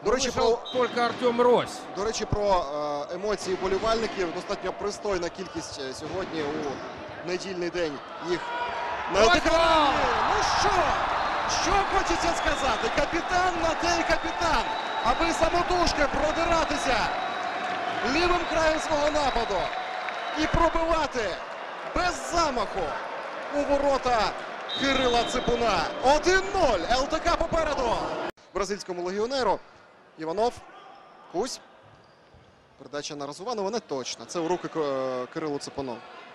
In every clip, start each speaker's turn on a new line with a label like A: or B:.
A: До речі,
B: тільки Артем Рось.
A: До речі, про емоції вболівальників. Достатньо пристойна кількість сьогодні у недільний день їх на ЛТК. Ну що хочеться сказати? Капітан на те й капітан, аби самотужки продиратися лівим краєм свого нападу і пробивати без замаху у ворота Кирила Ципуна. 1-0. ЛТК попереду. Бразильському легіонеру. Іванов. Кусь. Передача на Разуванова не точно. Це у руки Кирилу Ципуну.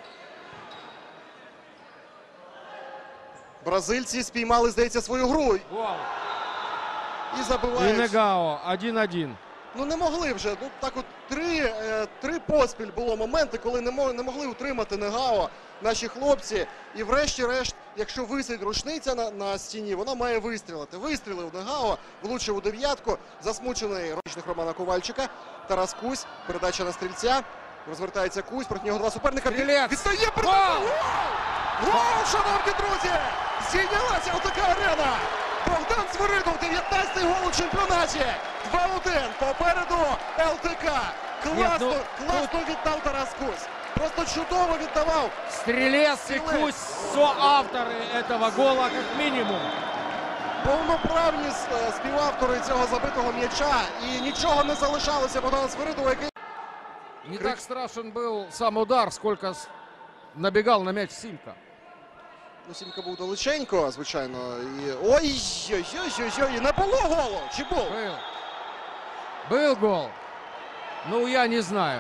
A: Бразильці спіймали, здається, свою гру.
B: Гол.
A: І забивають.
B: І Негао. 1-1.
A: Ну не могли вже. Ну так от три поспіль було моменти, коли не могли утримати Негао наші хлопці. І врешті-решт, якщо висить рушниця на стіні, вона має вистрілити. Вистрілив Негао, влучив у дев'ятку. Засмучений ручник Романа Ковальчика. Тарас Кусь. Передача на стрільця. Розвертається Кусь. Проти нього два суперника.
B: Стрілець!
A: Відстає передача! Гол, шановні друзі! Здійнялася ЛТК Арена! Богдан Свиридов, 19-й гол у чемпіонаті. 2-1 попереду ЛТК. Класно віддав Тарас Кусь. Просто чудово віддавав.
B: Стрелец и Кусь соавторы этого гола как минимум.
A: Повноправні співавтори цього забитого м'яча. І нічого не залишалося Богдана Свиридова, який...
B: Не так страшен был сам удар, сколько набегал на мяч Симка.
A: Ну, Сімка був далеченько, звичайно. І... Ой-ой-ой, не було голу! Чи був?
B: Был гол. Ну, я не знаю.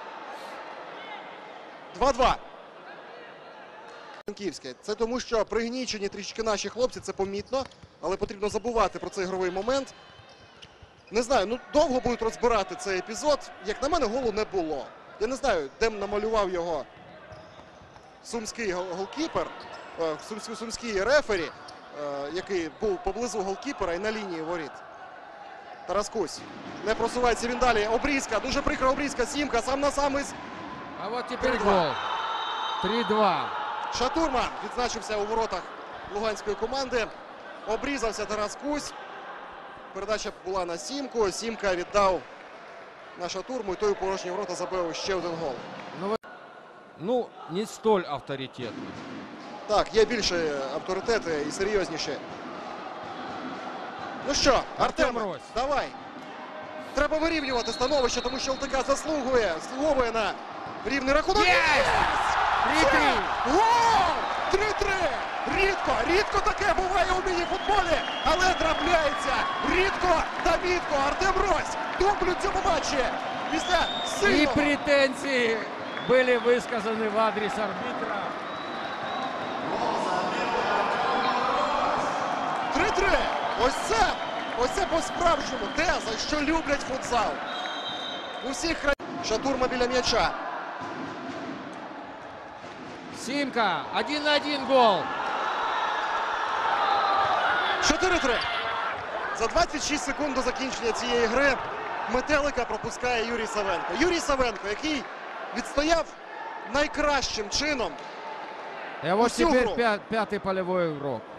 A: 2-2. Франківське. Це тому, що пригнічені трішки наші хлопці, це помітно. Але потрібно забувати про цей ігровий момент. Не знаю, ну довго будуть розбирати цей епізод. Як на мене, голу не було. Я не знаю, де намалював його сумський голкіпер. Сумський рефері, який був поблизу голкіпера і на лінії воріт. Тарас Кусь. Не просувається він далі. Обрізка. Дуже прикра обрізка. Сімка сам на сам із...
B: А вот теперь гол. 3-2.
A: Шатурман відзначився у воротах луганської команди. Обрізався Тарас Кусь. Передача була на Сімку. Сімка віддав на Шатурму. І той у порожні ворота забив ще один гол.
B: Ну, не столь авторитетный.
A: Так, є більші авторитети і серйозніші. Ну що, Артем, давай. Треба вирівнювати становище, тому що ЛТК заслуговує на рівний рахунок.
B: 3-3.
A: Гол! 3-3. Рідко таке буває у міні-футболі, але трапляється. Рідко та мітко. Артем Рось дублю цьому матчі після сильного.
B: И претензии были высказаны в адрес арбитра.
A: 3-3. Ось це по-справжньому те, за що люблять футзал. Усіх Шатурма біля м'яча.
B: Симка. 1-1 гол.
A: 4-3. За 26 секунд до закінчення цієї гри Метелика пропускає Юрій Савенко. Юрій Савенко, який відстояв найкращим чином.
B: И вот теперь пятый полевой игрок.